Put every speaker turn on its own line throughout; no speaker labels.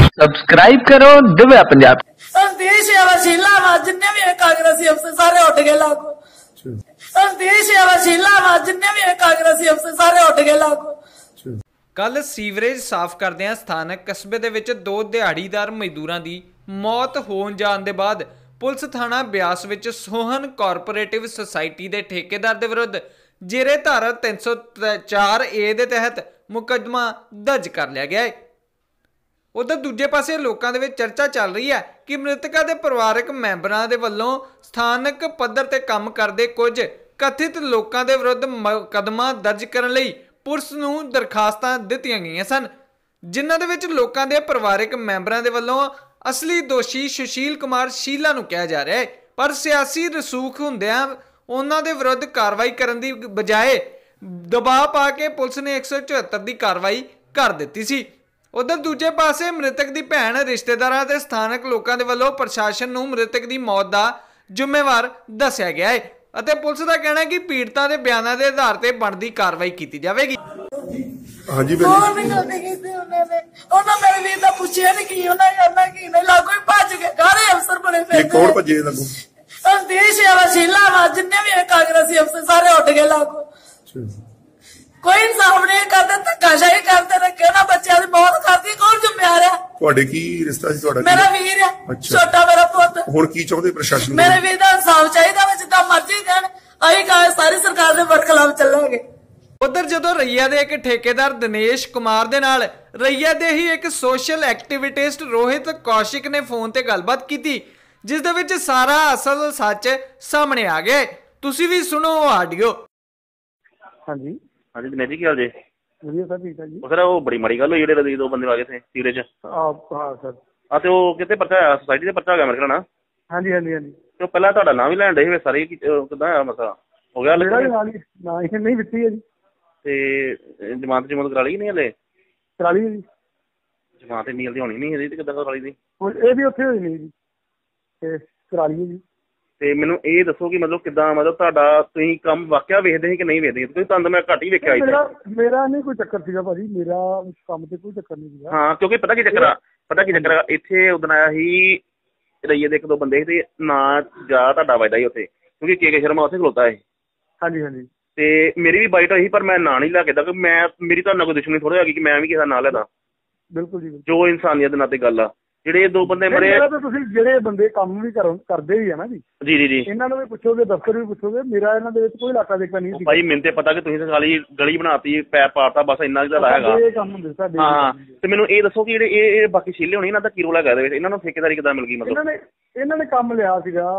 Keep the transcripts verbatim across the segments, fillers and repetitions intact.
Subscribe करो दिव्या पंजाब।
देश वशीला वा जिन्ने भी कांग्रेसी अफसर सारे उठ गए लागू। देश वशीला वा जिन्ने भी कांग्रेसी अफसर सारे उठ गए लागू।
ਕੱਲ ਸੀਵਰੇਜ ਸਾਫ਼ ਕਰਦਿਆਂ ਸਥਾਨਕ ਕਸਬੇ ਦੇ ਵਿੱਚ ਦੋ ਦਿਹਾੜੀਦਾਰ ਮਜ਼ਦੂਰਾਂ ਦੀ ਮੌਤ ਹੋਣ ਜਾਣ ਦੇ ਬਾਅਦ ਪੁਲਿਸ ਥਾਣਾ ਬਿਆਸ ਵਿੱਚ ਸੋਹਨ ਕੋਆਪਰੇਟਿਵ ਸੁਸਾਇਟੀ ਦੇ ਠੇਕੇਦਾਰ ਦੇ ਵਿਰੁੱਧ ਜੇਰੇ ਧਾਰਾ ਤਿੰਨ ਸੌ ਚਾਰ ਏ ਦੇ ਤਹਿਤ ਮੁਕੱਦਮਾ ਦਰਜ ਕਰ ਲਿਆ ਗਿਆ ਹੈ। उधर दूजे पासे लोगों के चर्चा चल रही है कि मृतका के परिवारक मैंबरों के वालों स्थानक पद्धर ते काम करते कुछ कथित लोगों के विरुद्ध मुकदमा दर्ज करने लई पुलिस नूं दरखास्तां दित्तियां गईयां सन, जिन्हां दे विच लोगों के परिवारक मैंबरों के वालों असली दोषी सुशील कुमार शीला नूं कहा जा रहा है, पर सियासी रसूख हुंदियां उन्हां दे विरुद्ध कार्रवाई करन दी बजाए दबाव पा के पुलिस ने एक सौ चौहत्तर की कार्रवाई कर दी सी। उधर दूजे पासे मृतक की भैन रिश्तेदारां ते स्थानक लोगों के वालों प्रशासन नूं मृतक की मौत का जिम्मेवार दस्सिया गया है अते पुलिस का कहना है कि पीड़िता के बयानों के आधार पर बनती कार्रवाई की जाएगी।
हाँ जी मेरे वीर दा पुछया नहीं की उन्हें करना की नहीं लागू ही भज गए सारे अफसर बने फिर कौन भजे लागू देश वशीला वा जिन्ने भी कांग्रेसी अफसर सारे उठ गए लागू। कोई इंसाफ नहीं करता, धक्काशाही करते रखे ना बच्चों की मौत करती कौन जिम्मेवार है? ਤੁਹਾਡੇ ਕੀ ਰਿਸ਼ਤਾ ਸੀ ਤੁਹਾਡਾ? ਮੇਰਾ ਵੀਰ ਹੈ, ਛੋਟਾ ਮੇਰਾ ਪੁੱਤ। ਹੁਣ ਕੀ ਚਾਹੁੰਦੇ ਪ੍ਰਸ਼ਾਸਨ? ਮੇਰੇ ਵੀਰ ਦਾ ਇਨਸਾਫ ਚਾਹੀਦਾ ਵਾ, ਜਿੱਦਾਂ ਮਰਜ਼ੀ ਦੇਣ ਅਸੀਂ ਕਹਾਂ ਸਾਰੀ ਸਰਕਾਰ ਦੇ ਬਰਖਲਾਫ ਚੱਲਾਂਗੇ।
उधर जो रईया के एक ठेकेदार दिनेश कुमार दे नाल रईया दे ही एक सोशल एक्टिविटिस्ट रोहित कौशिक ने फोन ते गलबात की, जिस दे विच सारा असल सच सामने आ गया। तुसी भी सुनो ऑडियो।
हाँ जी
हाँ जी दिनेश जी, क्या हाल जी?
ਵਧੀਆ ਸਰ, ਠੀਕ ਹੈ ਜੀ।
सर वो बड़ी माड़ी गल हुई जेडे दो बंदे आ गए थे सीवरेज
ਆਪ ਹਾਂ ਸਰ।
हाँ तो कितने पर्चा आया सोसाइटी से पर्चा आ गया मेरे ख्याल ना?
ਹਾਂਜੀ ਹਾਂਜੀ ਹਾਂਜੀ।
तो पहला ਤੁਹਾਡਾ नाम ही लैन डे सारे किदा आया मसला हो गया?
ਮੇਰਾ ਵੀ ਨਾਲ ਹੀ ਨਾ ਇਹ ਨਹੀਂ ਦਿੱਤੀ ਹੈ ਜੀ।
ਤੇ ਜਮਾਨਤ ਜਮਾਨਤ ਕਰਾ ਲਈ ਨਹੀਂ ਹਲੇ?
ਕਰਾ ਲਈ ਜੀ।
ਜਮਾਨਤ ਇੰਨੀ ਜਲਦੀ ਹੋਣੀ ਨਹੀਂ ਇਹਦੀ ਤੇ ਕਿੱਦਾਂ ਕਰਾ ਲਈ ਦੀ?
ਇਹ ਵੀ ਉੱਥੇ ਹੋਈ ਨਹੀਂ ਜੀ ਤੇ ਕਰਾ ਲਈ ਜੀ। ਤੇ
ਮੈਨੂੰ ਇਹ ਦੱਸੋ ਕਿ ਮਤਲਬ ਕਿੱਦਾਂ ਮਤਲਬ ਤੁਹਾਡਾ ਤੁਸੀਂ ਕੰਮ ਵਾਕਿਆ ਵੇਖਦੇ ਸੀ ਕਿ ਨਹੀਂ ਵੇਖਦੇ? ਕਿਉਂਕਿ ਤੁਹਾਨੂੰ ਤਾਂ ਮੈਂ ਘੱਟ ਹੀ ਵੇਖਿਆ।
ਮੇਰਾ ਮੇਰਾ ਨਹੀਂ ਕੋਈ ਚੱਕਰ ਸੀਗਾ ਭਾਜੀ, ਮੇਰਾ ਕੰਮ ਤੇ ਕੋਈ ਚੱਕਰ ਨਹੀਂ ਸੀਗਾ।
ਹਾਂ ਕਿਉਂਕਿ ਪਤਾ ਕੀ ਚੱਕਰ ਆ ਪਤਾ ਕੀ ਚੱਕਰ ਆ ਇੱਥੇ ਉਦਣ ਆਇਆ ਸੀ ਰਈਏ ਦੇ ਇੱਕ ਦੋ ਬੰਦੇ ਸੀ ਤੇ ਨਾ ਜਾ ਤੁਹਾਡਾ ਵੱਜਦਾ ਸੀ ਉੱਥੇ, ਕਿਉਂਕਿ ਕੇ ਕੇ ਸ਼ਰਮਾ ਉੱਥੇ ਖਲੋਤਾ ਹੈ। ਹਾਂਜੀ ਹਾਂਜੀ। ਤੇ ਮੇਰੀ ਵੀ ਬਾਈਟ ਹੋਈ ਪਰ ਮੈਂ ਨਾਂ ਨਹੀਂ ਲੈ ਕੇ ਦਾ, ਮੈਂ ਮੇਰੀ ਤੁਹਾਡੇ ਨਾਲ ਕੋਈ ਦੁਸ਼ਮਣੀ ਥੋੜ੍ਹਾ ਹੈਗੀ ਕਿ ਮੈਂ ਵੀ ਕਿਸੇ ਦਾ ਨਾਂ ਲੈਦਾ।
ਬਿਲਕੁਲ ਜੀ,
ਜੋ ਇਨਸਾਨੀਅਤ ਦੇ ਨਾਤੇ ਗੱਲ ਆ। ਜਿਹੜੇ ਦੋ ਬੰਦੇ ਮਰੇ
ਤੁਸੀਂ ਜਿਹੜੇ ਬੰਦੇ ਕੰਮ ਵੀ ਕਰਦੇ ਵੀ ਆ ਨਾ ਜੀ
ਜੀ ਜੀ ਜੀ
ਇਹਨਾਂ ਨੂੰ ਵੀ ਪੁੱਛੋਗੇ, ਦਫ਼ਤਰ ਵੀ ਪੁੱਛੋਗੇ, ਮੇਰਾ ਇਹਨਾਂ ਦੇ ਵਿੱਚ ਕੋਈ ਇਲਾਕਾ ਦੇਖਾ ਨਹੀਂ ਸੀ
ਭਾਈ। ਮੈਨੂੰ ਤੇ ਪਤਾ ਕਿ ਤੁਸੀਂ ਤਾਂ ਖਾਲੀ ਗਲੀ ਬਣਾਤੀ, ਪੈਪ ਪਾਤਾ, ਬਸ ਇੰਨਾ ਕੁ ਤਾਂ ਹੈਗਾ।
ਇਹ ਕੰਮ ਹੁੰਦੇ ਸਾਡੇ।
ਹਾਂ ਤੇ ਮੈਨੂੰ ਇਹ ਦੱਸੋ ਕਿ ਜਿਹੜੇ ਇਹ ਬਾਕੀ ਛੀਲੇ ਹੋਣੇ ਇਹਨਾਂ ਦਾ ਕੀ ਰੋਲ ਹੈਗਾ ਇਹਦੇ ਵਿੱਚ? ਇਹਨਾਂ ਨੂੰ ਠੇਕੇਦਾਰੀ ਕਿੱਦਾਂ ਮਿਲ ਗਈ? ਮਤਲਬ
ਇਹਨਾਂ ਨੇ ਇਹਨਾਂ ਨੇ ਕੰਮ ਲਿਆ ਸੀਗਾ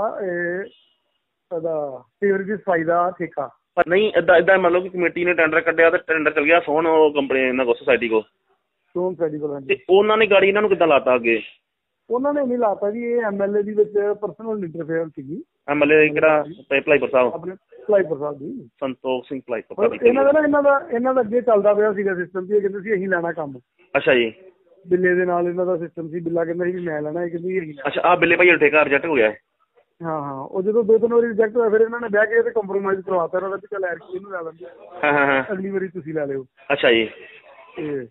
ਇਹ ਉਹਦਾ ਸੀਵਰੇਜ ਦੀ ਸਫਾਈ ਦਾ ਠੇਕਾ।
ਪਰ ਨਹੀਂ ਏਦਾਂ ਏਦਾਂ ਮਤਲਬ ਕਿ ਕਮੇਟੀ ਨੇ ਟੈਂਡਰ ਕੱਢਿਆ ਤੇ ਟੈਂਡਰ ਚੱਲ ਗਿਆ ਸੋਹਣ ਉਹ ਕੰਪਨੀ ਇਹਨਾਂ ਕੋਲ ਸੋਸਾਇਟੀ ਕੋਲ
ਸੋਹਣ ਸੋਸਾਇਟੀ ਕੋਲ
ਤੇ ਉਹਨਾਂ ਨੇ ਗਾੜੀ ਇਹਨਾਂ ਨੂੰ ਕਿੱਦਾਂ ਲਾਤਾ ਅੱਗੇ?
ਉਹਨਾਂ ਨੇ ਨਹੀਂ ਲਾਤਾ ਜੀ, ਇਹ ਐਮਐਲਏ ਦੀ ਵਿੱਚ ਪਰਸਨਲ ਇੰਟਰਫੇਅਰ ਸੀਗੀ।
ਐਮਐਲਏ ਕਿਹੜਾ? ਭਲਾਈਪੁਰ ਸਾਹਿਬ,
ਆਪਣੇ ਭਲਾਈਪੁਰ ਸਾਹਿਬ ਦੀ
ਸੰਤੋਖ ਸਿੰਘ ਭਲਾਈਪੁਰ।
ਇਹਨਾਂ ਦਾ ਨਾ ਇਹਨਾਂ ਦਾ ਇਹਨਾਂ ਦਾ ਅੱਗੇ ਚੱਲਦਾ ਪਿਆ ਸੀਗਾ ਸਿਸਟਮ ਸੀ, ਇਹ ਕਹਿੰਦੇ ਸੀ ਅਸੀਂ ਲੈਣਾ ਕੰਮ।
ਅੱਛਾ ਜੀ।
ਬਿੱਲੇ ਦੇ ਨਾਲ ਇਹਨਾਂ ਦਾ ਸਿਸਟਮ ਸੀ, ਬਿੱਲਾ ਕਹਿੰਦਾ ਸੀ ਵੀ ਮੈਂ ਲੈਣਾ, ਇਹ ਕਹਿੰਦੀ ਅਸੀਂ।
ਅੱਛਾ ਆਹ ਬਿੱਲੇ ਭਾਈ ਠੇਕਾ ਰਿਜੈਕਟ ਹੋ ਗਿਆ?
ਹਾਂ ਹਾਂ, ਉਹ ਜਦੋਂ ਦੋ ਤਿੰਨ ਵਾਰੀ ਰਿਜੈਕਟ ਹੋਇਆ ਫਿਰ ਇਹਨਾਂ ਨੇ ਬਹਿ ਕੇ ਤੇ ਕੰਪਰੋਮਾਈਜ਼ ਕਰਵਾਤਾ ਇਹਨਾਂ ਦਾ ਵੀ ਚੱਲ ਐਰਕੀ ਇਹਨੂੰ ਲੈ ਲੈਂਦੇ,
ਹਾਂ ਹਾਂ ਹਾਂ
ਅਗਲੀ ਵਾਰੀ ਤੁਸੀਂ ਲੈ ਲਿਓ।
ਅੱਛਾ ਜੀ।
ਤੇ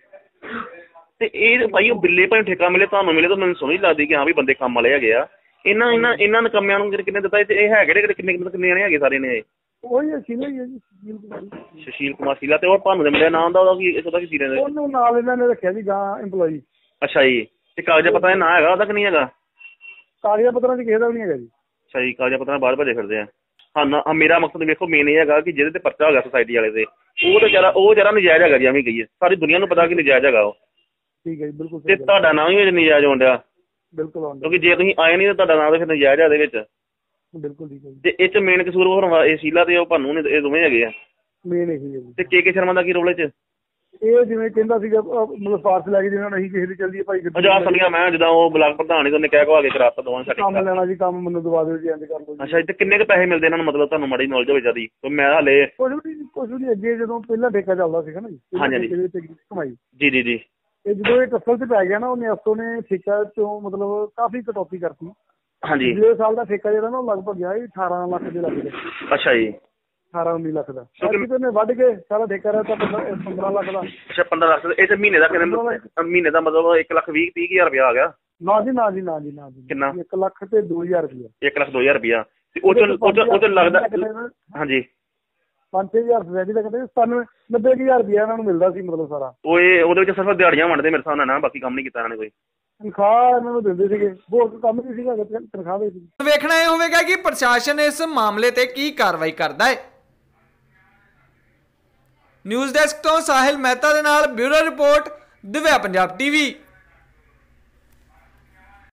ਤੇ ਇਹ ਭਾਈ ਉਹ ਬਿੱਲੇ ਭਾਈ ਠੇਕਾ ਮਿਲੇ ਤੁਹਾਨੂੰ ਮਿਲੇ ਤਾਂ ਮੈਨੂੰ ਸਮਝ ਲੱਗਦੀ ਕਿ ਹਾਂ ਵੀ ਬੰਦੇ ਕੰਮ ਵਾਲੇ ਹੈਗੇ ਆ। ਇਹਨਾਂ ਇਹਨਾਂ ਇਹਨਾਂ ਨਕਮਿਆਂ ਨੂੰ ਕਿੰਨੇ ਦਿੱਤਾ ਤੇ ਇਹ ਹੈਗੇ ਕਿਹੜੇ ਕਿੰਨੇ ਕਿੰਨੇ ਜਾਣੇ ਹੈਗੇ ਸਾਰੇ ਨੇ?
ਉਹੀ ਸ਼ੀਲਾ ਹੀ ਹੈ ਜੀ,
ਸੁਸ਼ੀਲ ਕੁਮਾਰ ਸ਼ੀਲਾ। ਤੇ ਉਹ ਤੁਹਾਨੂੰ ਦੇ ਮਿਲਿਆ ਨਾਮ ਦਾ ਉਹਦਾ ਕੀ ਉਹਦਾ ਕੀ ਸੀ ਰਹਿੰਦੇ?
ਉਹਨੂੰ ਨਾਲ ਇਹਨਾਂ ਨੇ ਰੱਖਿਆ ਜੀ ਗਾਂ ਇੰਪਲੋਈ।
ਅੱਛਾ ਜੀ। ਤੇ ਕਾਗਜ਼ਾਂ ਪੱਤਰਾਂ ਦਾ ਨਾਂ ਹੈਗਾ ਉਹਦਾ ਕਿ ਨਹੀਂ ਹੈਗਾ?
ਕਾਗਜ਼ਾਂ ਪੱਤਰਾਂ ਚ ਕਿਸੇ ਦਾ ਵੀ ਨਹੀਂ ਹੈਗਾ ਜੀ।
ਅੱਛਾ ਜੀ। ਕਾਗਜ਼ਾਂ ਪੱਤਰਾਂ ਬਾਹਰ ਭੱਜੇ ਫਿਰਦੇ ਆ। ਹਾਂ ਨਾ ਮੇਰਾ ਮਕਸਦ ਵੇਖੋ ਮੇਨ ਇਹ ਹੈਗਾ ਕਿ ਜਿਹਦੇ ਤੇ ਪਰਚਾ ਹੋ ਗਿਆ ਸੁਸਾਇਟੀ ਵਾਲੇ ਤੇ ਉਹ ਤਾਂ ਜਰਾ ਉਹ ਜਰਾ ਨਜਾਇਜ਼ ਹੈਗਾ ਜੀ, ਐਵੇਂ ਕਹੀਏ ਸਾਰੀ ਦੁਨੀਆ ਨੂੰ ਪਤਾ ਕਿ ਨਜਾਇਜ਼ ਹੈਗਾ ਉਹ।
ਠੀਕ ਹੈ ਜੀ, ਬਿਲਕੁਲ।
ਤੇ ਤੁਹਾਡਾ ਨਾਂ ਵੀ ਨਜਾਇਜ਼ ਹੋਣ ਡਿਆ?
ਬਿਲਕੁਲ।
ਕਿਉਂਕਿ ਜੇ ਤੁਸੀਂ ਆਏ ਨਹੀਂ ਤਾਂ ਤੁਹਾਡਾ ਨਾਂ ਤਾਂ ਫਿਰ ਨਜਾਇਜ਼ ਆ ਇਹਦੇ ਵਿੱਚ।
ਬਿਲਕੁਲ ਠੀਕ ਹੈ ਜੀ।
ਤੇ ਇਹ ਚ ਮੇਨ ਕਸੂਰ ਹੋਰ ਇਹ ਸ਼ੀਲਾ ਤੇ ਉਹ ਭਾਨੂੰ ਨੇ, ਇਹ ਦੋਵੇਂ ਹੈਗੇ ਆ
ਮੇਨ ਇਹੀ ਹੈ ਜੀ।
ਤੇ ਕੇ ਕੇ ਸ਼ਰਮਾ ਦਾ ਕੀ ਰੋਲ ਇਹ ਚ?
ਇਹ ਜਿਵੇਂ ਕਹਿੰਦਾ ਸੀਗਾ ਮਤਲਬ ਫਾਰਸ ਲੈ ਕੇ ਜਿਵੇਂ ਅਸੀਂ ਕਿਸੇ ਦੀ ਚੱਲਦੀ ਭਾਈ
ਜਾ ਸੁਣੀਆਂ ਮੈਂ ਜਿੱਦਾਂ ਉਹ ਬਲਾਕ ਪ੍ਰਧਾਨ ਨੇ ਉਹਨੇ ਕਹਿ ਕੋ ਆ ਕੇ ਕਰਾਤਾ ਦੋਵਾਂ ਸਾਡੇ
ਕੰਮ ਲੈਣਾ ਜੀ, ਕੰਮ ਮੈਨੂੰ ਦਵਾ ਦਿਓ ਜੀ, ਇੰਜ ਕਰ ਲਓ।
ਅੱਛਾ ਤੇ ਕਿੰਨੇ ਕੁ ਪੈਸੇ ਮਿਲਦੇ ਇਹਨਾਂ ਨੂੰ ਮਤਲਬ ਤੁਹਾਨੂੰ ਮਾੜੀ ਨੌਲੇਜ ਹੋਵੇ ਜਿਆਦੀ? ਮੈਂ ਹਾਲੇ
ਕੁਝ ਵੀ ਕੁਝ ਵੀ ਅੱਗੇ ਜਦੋਂ ਪਹਿਲਾਂ ਠੇਕਾ ਚੱਲਦਾ ਸੀਗਾ ਨਾ ਜੀ ਕਮਾਈ
ਜੀ ਜੀ ਜੀ
ਇਹ ਜਦੋਂ ਇਹ ਟੱਸਲ ਤੇ ਪੈ ਗਿਆ ਨਾ ਉਹਨੇ ਅਫਸੋਂ ਨੇ ਠੇਕਾ ਚੋਂ ਮਤਲਬ ਕਾਫੀ ਕਟੌਤੀ ਕਰਤੀ।
ਹਾਂਜੀ।
ਪਿਛਲੇ ਸਾਲ ਦਾ ਠੇਕਾ ਜਿਹੜਾ ਨਾ ਉਹ ਲਗਭਗ ਗਿਆ ਅਠਾਰਾਂ ਲੱਖ ਦੇ ਲੱਗ ਗਿਆ।
ਅੱਛਾ ਜੀ।
ਅਠਾਰਾਂ ਉੱਨੀ ਲੱਖ ਦਾ ਕਿਤੇ ਨੇ ਵੱਢ ਕੇ ਸਾਰਾ ਠੇਕਾ ਰਿਹਾ ਤਾਂ ਪੰਦਰਾਂ ਲੱਖ ਦਾ।
ਅੱਛਾ ਪੰਦਰਾਂ ਲੱਖ ਇਹ ਤੇ ਮਹੀਨੇ ਦਾ ਕਿੰਨੇ ਮਹੀਨੇ ਦਾ ਮਤਲਬ ਇੱਕ ਲੱਖ ਵੀਹ ਤੀਹ ਹਜ਼ਾਰ ਰੁਪਇਆ ਆ ਗਿਆ?
ਨਾ ਜੀ ਨਾ ਜੀ ਨਾ ਜੀ ਨਾ ਜੀ
ਕਿੰਨਾ?
ਇੱਕ ਲੱਖ ਤੇ ਦੋ ਹਜ਼ਾਰ ਰੁਪਇਆ।
ਇੱਕ ਲੱਖ ਦੋ ਹਜ਼ਾਰ ਰੁਪਇਆ ਤੇ ਉਹ ਚ ਉਹ ਚ ਲੱਗਦਾ ਹਾਂਜੀ
ਪੰਜ ਛੇ ਹਜ਼ਾਰ ਸਵੈਡੀ ਦਾ ਕਹਿੰਦੇ ਸਤਾਨਵੇਂ ਨੱਬੇ ਕੁ ਹਜ਼ਾਰ ਰੁਪਇਆ ਇਹਨਾਂ ਨੂੰ ਮਿਲਦਾ ਸੀ ਮਤਲਬ ਸਾਰਾ।
ਉਹ ਇਹ ਉਹਦੇ ਵਿੱਚ ਸਿਰਫ ਦਿਹਾੜੀਆਂ ਵੰਡਦੇ ਮੇਰੇ ਹਿਸਾਬ ਨਾਲ ਨਾ, ਬਾਕੀ ਕੰਮ ਨਹੀਂ ਕੀਤਾ ਇਹਨਾਂ ਨੇ ਕੋਈ।
ਤਨਖਾਹ ਇਹਨਾਂ ਨੂੰ ਦਿੰਦੇ ਸੀਗੇ, ਹੋਰ ਕੰਮ ਨਹੀਂ ਸੀਗਾ, ਤਨਖਾਹ ਦੇ ਸੀ।
ਵੇਖਣਾ ਇਹ ਹੋਵੇਗਾ ਕਿ ਪ੍ਰਸ਼ਾਸਨ ਇਸ ਮਾਮਲੇ ਤੇ ਕੀ ਕਾਰਵਾਈ ਕਰਦਾ ਹੈ। ਨਿਊਜ਼ ਡੈਸਕ ਤੋਂ ਸਾਹਿਲ ਮਹਿਤਾ ਦੇ ਨਾਲ bureau report Divya Punjab TV.